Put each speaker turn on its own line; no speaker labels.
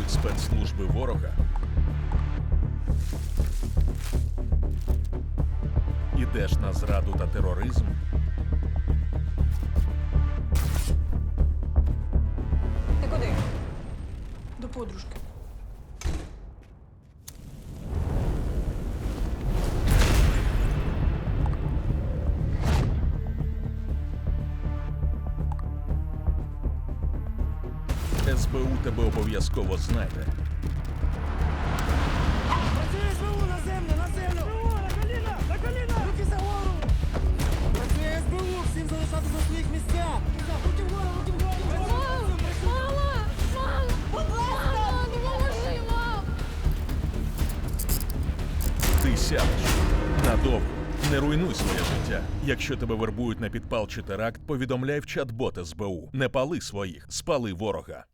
використовують спецслужби ворога, ідеш на зраду та тероризм,
Ти куди? До подружки.
СБУ тебе обов'язково знайде.
Працює СБУ на землю, на землю! СБУ, на коліна, на коліна! Руки за гору! Працює СБУ, всім залишатися на своїх місцях! Руки вгору, руки вгору!
Мама! Мама, допоможи, мам!
Ти сядеш надовго. Не руйнуй своє життя. Якщо тебе вербують на підпал чи теракт, повідомляй в чат-бот СБУ. Не пали своїх, спали ворога.